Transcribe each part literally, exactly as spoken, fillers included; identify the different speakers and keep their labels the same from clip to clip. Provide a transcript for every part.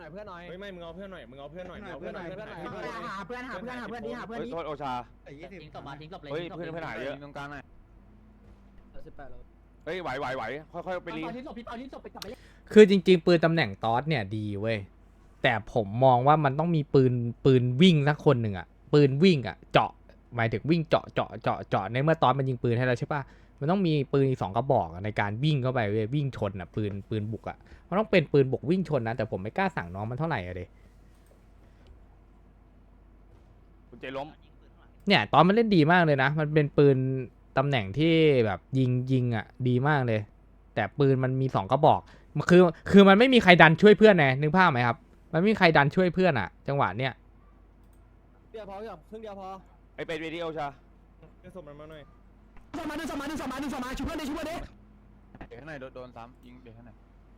Speaker 1: น่อยเพื่อนหน่อย
Speaker 2: เฮ้ยไม่มึงเอาเพื่อนหน่อยมึงเอาเพื่อนหน่อยเอา
Speaker 1: เพื่
Speaker 2: เพื่
Speaker 1: อ
Speaker 2: อน น
Speaker 1: ห
Speaker 2: ห
Speaker 1: น่
Speaker 2: น่
Speaker 1: อ
Speaker 2: อย ย
Speaker 1: เพื่อนหน่อยหาเพื่อนหาเพื่อนหาเพื่อนดีหาเพื่อนดี
Speaker 3: โทษโอชา
Speaker 4: ทิ้งศพมาทิ้งศพเลย
Speaker 3: เฮ้ยเพื่อนเพื่อนหายเยอะ
Speaker 4: ตรงกลางหน่อย
Speaker 1: สิบแปดแล้ว
Speaker 3: เฮ้ยไหวไหวไหวค่อยๆไปรี
Speaker 4: ทิ้งศพพี่เปาทิ้งศพไปกลับไปเล่น
Speaker 5: คือจริงๆปืนตำแหน่งตอสเนี่ยดีเว้ยแต่ผมมองว่ามันต้องมีปืนปืนวิ่งสักคนหนึ่งอะปืนวิ่งอะเจาะหมายถึงวิ่งเจาะเจาะเจาะเจาะในเมื่อตอสมันยิงปืนให้เราใช่ปะมันต้องมีปืนอีกสองกระบอกในการวิ่งเข้าไปเว้ยวิ่งชนอะปืนปืนบุกอะมันต้องเป็นปืนบุกวิ่งชนนะแต่ผมไม่กล้าสั่งน้องมันเท่าไหร่อะเด
Speaker 3: คุณเจล้ม
Speaker 5: เนี่ยตอนมันเล่นดีมากเลยนะมันเป็นปืนตำแหน่งที่แบบยิงยิงอะดีมากเลย แต่ปืนมันมีสองกระบอกคือคือมันไม่มีใครดันช่วยเพื่อนไงนึกภาพไหมครับมันไม่มีใครดันช่วยเพื่อนอะจังหวะเนี้ย
Speaker 1: เดียวพอกับครึ่งเดียวพอ
Speaker 3: ไอเป็ดเวทีโอชา
Speaker 2: เพื่อนส่งมันมาหน่อย
Speaker 1: สมาดึงสมาดึงสมาดึงสมาช่วยเพื่อนดิช่วยเพื่อนดิ
Speaker 4: เดี๋ยวข้างในโดนซ้ำยิงเดี๋ยวข้างใน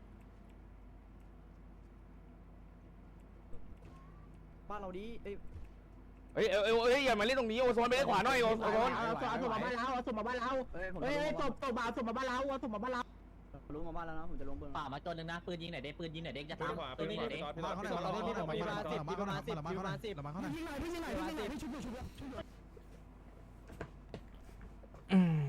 Speaker 1: บ้านเราดีเอ้ย
Speaker 3: เฮ้ยเอ้ยเอ้ยอย่ามาเล่นตรงนี้โอโซนไปเล่นขวาหน่อยโอโซน
Speaker 1: เอาศพมาบ้านเราเอาศพมาบ้านเราเฮ้ยเฮ้ยศพศพมาศพมาบ้านเราเอาศพมาบ้านเราลุงมาบ้านแล้วนะผมจะลงเบื้อง
Speaker 4: ป่ามาตัวนึงนะปืนยิงไหนเด็กปืนยิงไหนเด็กจะ
Speaker 2: ปืน
Speaker 4: ตาม
Speaker 2: ขวา
Speaker 4: ปื
Speaker 2: ปื
Speaker 4: น
Speaker 2: น
Speaker 4: ยิง
Speaker 2: ข
Speaker 4: ไหน
Speaker 2: วา
Speaker 4: เด็ก
Speaker 2: พี่ต่อพี่ต่อพี่ต่อพี่ต่อพี่ต่อ
Speaker 1: พี่ประมาณสิบพี่ประมาณสิบพี่ประมาณสิบยิงหน่อยพี่ยิงหน่อยพี่ยิงหน่อยพี่ชุบชุบ
Speaker 5: อืม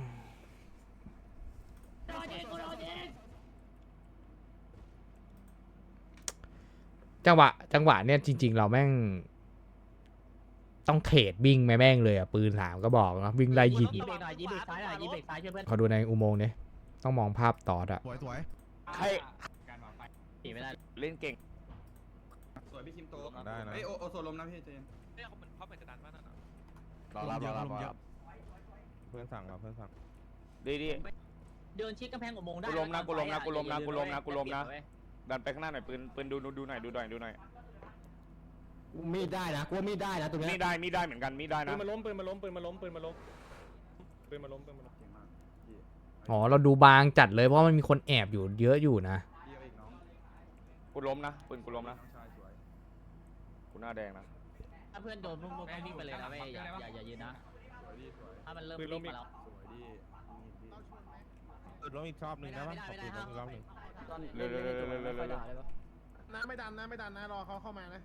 Speaker 5: จังหวะจังหวะเนี่ยจริง ๆ เราแม่งต้องเทรดวิ่งแม่แม่งเลยอะปืนสามก็บอกนะวิ่งไล่ยิง
Speaker 4: ยิงเบรกหน่อยยิงเบรกซ้ายหน่อยยิงเบรกซ้ายช่วยเพื่อน
Speaker 5: ขอดูในอุโมงค์เนี่ยต้องมองภาพตอดอะ
Speaker 6: สวยสวย
Speaker 3: ใคร
Speaker 4: ตีไม่ได้
Speaker 3: เล่นเก่ง
Speaker 7: สวยพี่คิมโต
Speaker 6: ได้นะ
Speaker 7: เอ้ยโอโอโซลมนะพี่เจน
Speaker 3: รอรับรอรับรอรับ
Speaker 2: เพื่อนสั่งมาเพื่อนสั่ง
Speaker 3: ดีดี
Speaker 4: เดินชิดกำแพงอุโมงค์ได้
Speaker 3: กูล้มนะกูล้มนะกูล้มนะกูล้มนะกูล้มนะ ดันไปข้างหน้าหน่อยปืนปืนดูดูหน่อยดูหน่อยดูหน่อย
Speaker 1: มีดได้นะกูว่ามีดได้นะตรงนี้
Speaker 3: มีได้มีได้เหมือนกันมีได้
Speaker 2: ปื
Speaker 3: นะ
Speaker 2: นมาล้มปืนมาล้มปืนมาล้มปืนมาล้มปืนมาล้มปืนมาล้ม
Speaker 7: เก่งมากพี่
Speaker 5: อ๋อเราดูบางจัดเลยเพราะมันมีคนแอบอยู่เยอะอยู่นะ
Speaker 7: พี่เอาอีกน้อง
Speaker 3: กูล้มนะปืนกูล้มนะ
Speaker 7: น้องชายสวย
Speaker 3: กูหน้าแดงนะ
Speaker 4: ถ้าเพื่อนโดนพวกมึงวิ่งไปเลยนะเว้ยอย่าอย่าอย่ายืนนะ
Speaker 7: สวยดีสวย
Speaker 4: ถ้ามันเริ่มวิ่งมาแล้ว
Speaker 7: สวยดีนี่ดี
Speaker 6: เออล้มอีกรอบหนึ่งนะวะ
Speaker 4: ไม่ได้ไม่ได้
Speaker 6: ขอปืนล้มอีกรอบหนึ่ง
Speaker 1: ตอนเล่นเล่นตัวมันไม่ค่อยด่าเลยปะ
Speaker 7: น้าไม่ดันนะไม่ดันนะรอเขาเข้ามานะ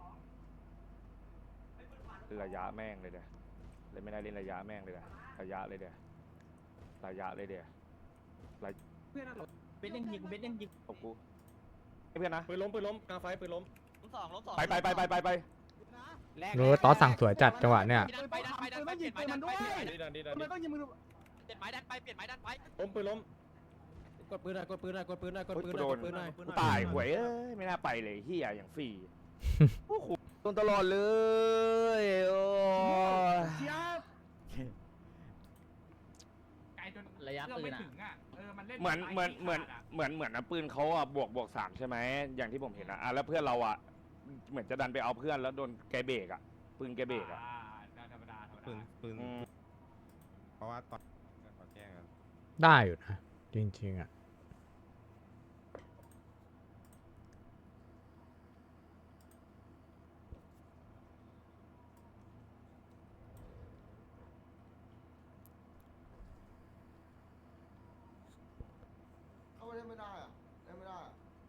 Speaker 3: ระยะแม่งเลยเดี๋ยวเลยไม่ได้เล่นระยะแม่งเลยเดี๋ยวระยะเลยเดี๋ยวระยะเลยเดี๋ยว
Speaker 4: เบสยังยิงเบสยังยิง
Speaker 3: ขอบกูให้เพื่อนนะ
Speaker 2: ปืนล้มปืนล้มกลางไฟปืนล้ม
Speaker 4: สองล้มสอง
Speaker 3: ไปไปไปไปไปไป
Speaker 5: เออตอสั่งสวยจัดจังหวะเนี่ย
Speaker 4: ไปดันไปดันไปเปลี่ยนไม้ดันไป
Speaker 2: ดีดันดีดัน
Speaker 1: ทำไม
Speaker 2: ดี
Speaker 1: ต้องยิงมือ
Speaker 4: เปลี่ยนไม้ดันไปเปลี่ยนไม้ดันไป
Speaker 2: ล้มปืนล้ม
Speaker 1: กดปืนหน่อยกดปืนหน่อยกดปืนหน่อยกดปืนห
Speaker 3: กู
Speaker 1: น่อย
Speaker 3: โด
Speaker 1: ก
Speaker 3: น
Speaker 1: ดปืนหน่อย
Speaker 3: กูตายหวยเอ้ยไม่น่าไปเลยเฮียอย่างฟรีโอ้โหโดนตลอดเลย โอ้
Speaker 4: ระยะปืนอ่ะ
Speaker 3: เหมือนเหมือนเหมือนเหมือนเหมือนนะปืนเขาอ่ะบวกบวกสามใช่ไหมอย่างที่ผมเห็นอ่ะอ่ะแล้วเพื่อนเราอ่ะเหมือนจะดันไปเอาเพื่อนแล้วโดนแกเบรกอ่ะปืนแกเบรกอ่ะ
Speaker 6: ปืนปืน
Speaker 3: อืม
Speaker 6: เพราะว่าตอนขอแจ้งกัน
Speaker 5: ได้อยู่นะจริงๆอะ
Speaker 7: เข้าไปเล่นไม่ได้อะเล่นไม่ได้อะ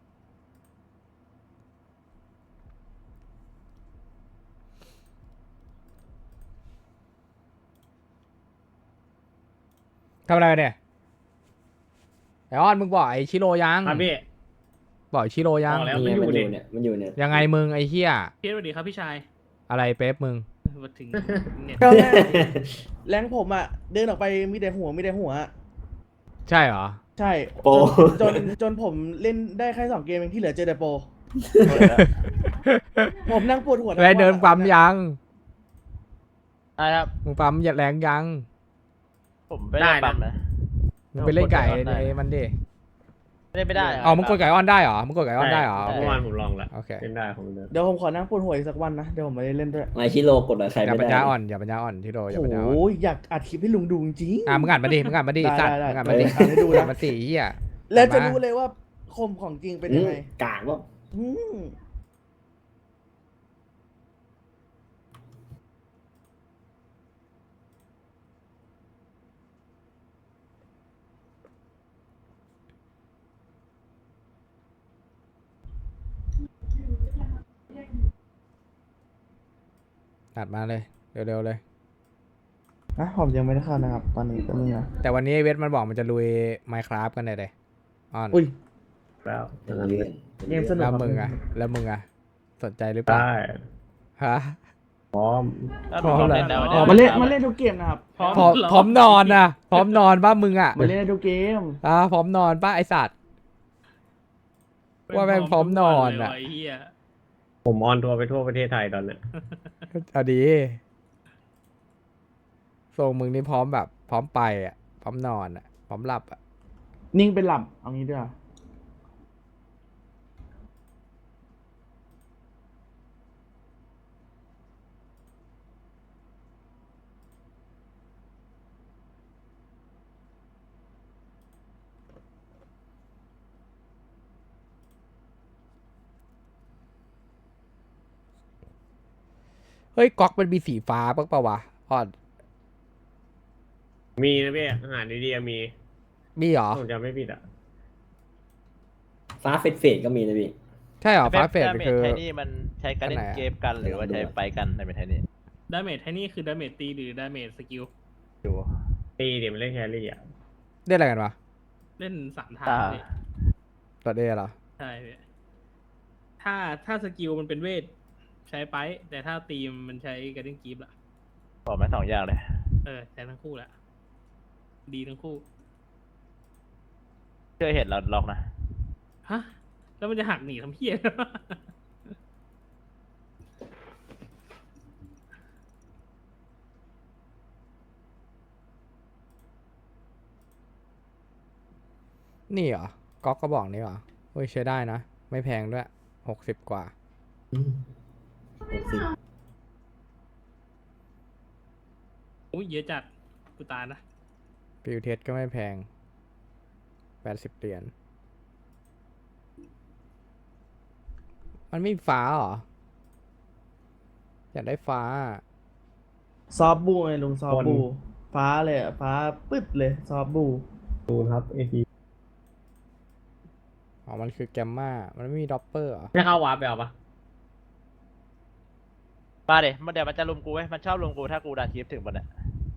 Speaker 5: ทำอะไรกันเนี่ยไอออนมึงบอกไอชิโร่ยัง
Speaker 8: ครับพี่
Speaker 5: บอกไอ้ชิโร่ยัง
Speaker 8: บอกแล้วมันอยู่เนี่ย
Speaker 1: มันอยู่เนี่ย
Speaker 5: ยังไงมึงไอเฮีย
Speaker 8: พี่สวัสดีครับพี่ชาย
Speaker 5: อะไรเป๊ปมึง
Speaker 8: มาถึงเน็ต
Speaker 9: ก็แรงผมอ่ะ เดินออกไปมีแต่หัวมีแต่หัวอะ
Speaker 5: ใช่เหรอ
Speaker 9: ใช่
Speaker 1: โปร
Speaker 9: จนจนจนผมเล่นได้แค่สองเกมเองที่เหลือเจอแต่โปร ผมนั่งปวดหัวทั้ง
Speaker 5: ไป
Speaker 9: วัน
Speaker 5: เดินปั๊มยัง
Speaker 8: ได้ครับ
Speaker 5: มึงปั๊มแรงยัง
Speaker 8: ผมไม่ได้ปั๊มนะ
Speaker 5: มึงไปเล่นไก่
Speaker 8: ได้
Speaker 5: ในมันดิ
Speaker 8: ไม่ได้ไม่ได้
Speaker 5: อ๋อมึงกดไก่ออนได้เหรอมึงกดไก่ออนได้เหรอ
Speaker 8: เมื่อวานผมลองแล้ว
Speaker 5: โอเค
Speaker 8: เล่นได้ผมเดิน
Speaker 9: เดี๋ยวผมขอนั่งปวดหัวอีกสักวันนะ เดี๋ยวผมไม่ได้เล่นด้วย
Speaker 1: ไอชิโร่กดอะไรใคร
Speaker 5: อย่า
Speaker 1: ไม่
Speaker 5: ปัญ
Speaker 1: ได้
Speaker 5: ญาอ่อนอย่าปัญญาอ่อนชิโร่อย่าปัญญาอ่อน
Speaker 9: โอ้ยอยากอัดคลิปให้ลุงดูจริงๆ
Speaker 5: อ่ะมึงอ่านมาดิมึงอ่านมาดิ
Speaker 9: ได้
Speaker 5: สัตว์
Speaker 9: ได้
Speaker 5: มึงอ่าน
Speaker 9: ได้
Speaker 5: มาดิ
Speaker 9: เอออ่านให้ดูนะ
Speaker 5: อ่านมาสิเฮีย
Speaker 9: แล้วจะ
Speaker 5: มา
Speaker 9: รู้เลยว่าคมของจริงเป็นยังไง
Speaker 1: กากว่า
Speaker 9: อืม
Speaker 5: ตัดมาเลย เร็วๆเลย
Speaker 9: อ่ะผมยังไม่ได้เข้านะครับ ตอนนี้ก็มึงนะ
Speaker 5: แต่วันนี้ไอ้เวทมันบอกมันจะลุย Minecraft กันเลยเลยอ่อน
Speaker 9: อุ้ย
Speaker 8: แล้ว
Speaker 9: เกมสนุก
Speaker 5: แล้ว
Speaker 9: ครับ
Speaker 5: มึงอะแล้วมึงอะสนใจหรือเปล่า
Speaker 8: ได้
Speaker 5: ฮะ
Speaker 8: พร้อม
Speaker 5: พร้อมแล้ว
Speaker 9: อ๋อมาเล่นมาเล่นทุกเกมนะครับ
Speaker 5: พร้อมพร้อมนอนนะพร้อมนอนป้ามึงอะ
Speaker 9: มาเล่นได้ทุกเกม
Speaker 5: อ่ะพร้อมนอนป้าไอสัตว์ ว่าแม่งพร้อมนอนอะ
Speaker 4: ไอ้เหี้ย
Speaker 8: ผมออนทัวร์ไปทั่วประเทศไทยตอนเนี้ย
Speaker 5: เอาดีทรงมึงนี่พร้อมแบบ พร้อมไปอะพร้อมนอนอะพร้อมหลับอะ
Speaker 9: นิ่งเป็นหลับ เอางี้ด้วย
Speaker 5: เฮ้ยก๊อกมันมีสีฟ้าปะปะวะอ่อน
Speaker 8: มีนะพี่อาหารดีๆมี
Speaker 5: มีเหรอ
Speaker 8: ผมจำไม่ผิดอ่ะ
Speaker 1: ฟ้าเฟดเฟดก็มีนะพี่
Speaker 5: ใช่เหรอฟ้าเฟดคือ
Speaker 8: ไทนี่มันใช้การเล่นเกมกันหรือว่าใช้ไปกันในเป็นไทนี่
Speaker 4: ดาเมจไทนี่คือดาเมจตีหรือดาเมจสกิล
Speaker 8: ดูตีเดี๋ยวมันเล่นแครี่อ่ะ
Speaker 5: ได้อะไรกันวะ
Speaker 4: เล่นสามทาง
Speaker 8: อ่า
Speaker 4: พี่
Speaker 5: ตัวเดเหรอ
Speaker 4: ใช่พี่ถ้าถ้าสกิลมันเป็นเวทใช้ไป แต่ถ้าตีมมันใช้การเล่นกีฟละ
Speaker 8: บอกมาสองอย่างเลย
Speaker 4: เออใช้ทั้งคู่แหละดีทั้งคู่
Speaker 8: เคยเห็นเราล็อกนะ
Speaker 4: ฮะ แล้วมันจะหักหนีทำเพี้ย
Speaker 5: นี่เหรอก๊อกก็บอกนี่เหรอเฮ้ยใช้ได้นะ ไม่แพงด้วยหกสิบกว่า
Speaker 4: อุ้ยเยอะจัดกูตายนะ
Speaker 5: ฟิวเทสก็ไม่แพงแปดสิบเหรียญ มันไม่มีฟ้าเหรอ อยากได้ฟ้า
Speaker 9: ซอฟบูไงลุงซอฟบู ฟ้าเลยอะฟ้าปึ๊ดเลย ซอฟบู
Speaker 8: ดูครับเอที
Speaker 5: อ๋อ มันคือแกมมามันไม่มีด็อปเปอร์เหรอ
Speaker 8: ไม่เข้าวาร์ปไปเอาปะมาเดี๋ยวมันเดี๋ยวมันจะลุมกูไว้ยมันชอบลุมกูถ้ากูดันคลิปถึงมันอ่ะ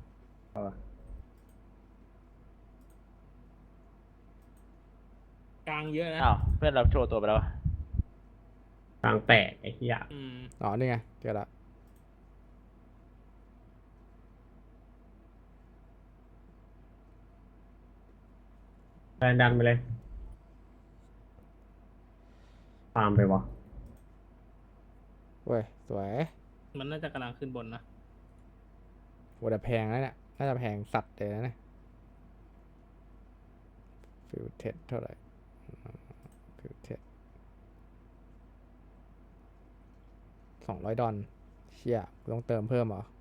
Speaker 4: กลางเยอะนะ
Speaker 8: อ้าวเพื่อนเราโชว์ตัวไปแล้วกลางแตกไอ้เหี้ย
Speaker 4: อืม
Speaker 5: อ๋อ นี่ไงเจอละ
Speaker 8: ดันดันไปเลยตามไปวะ
Speaker 5: เว้ย สวย
Speaker 4: มันน่าจะกำลังขึ้นบนนะ
Speaker 5: โหแต่แพงแล้วเนี่ย น่าจะแพงสัตว์เลยนะเนี่ยฟิวเทสเท่าไหร่ฟิวเทสสองร้อยดอลเชี่ยกูต้องเติมเพิ่มเหรอ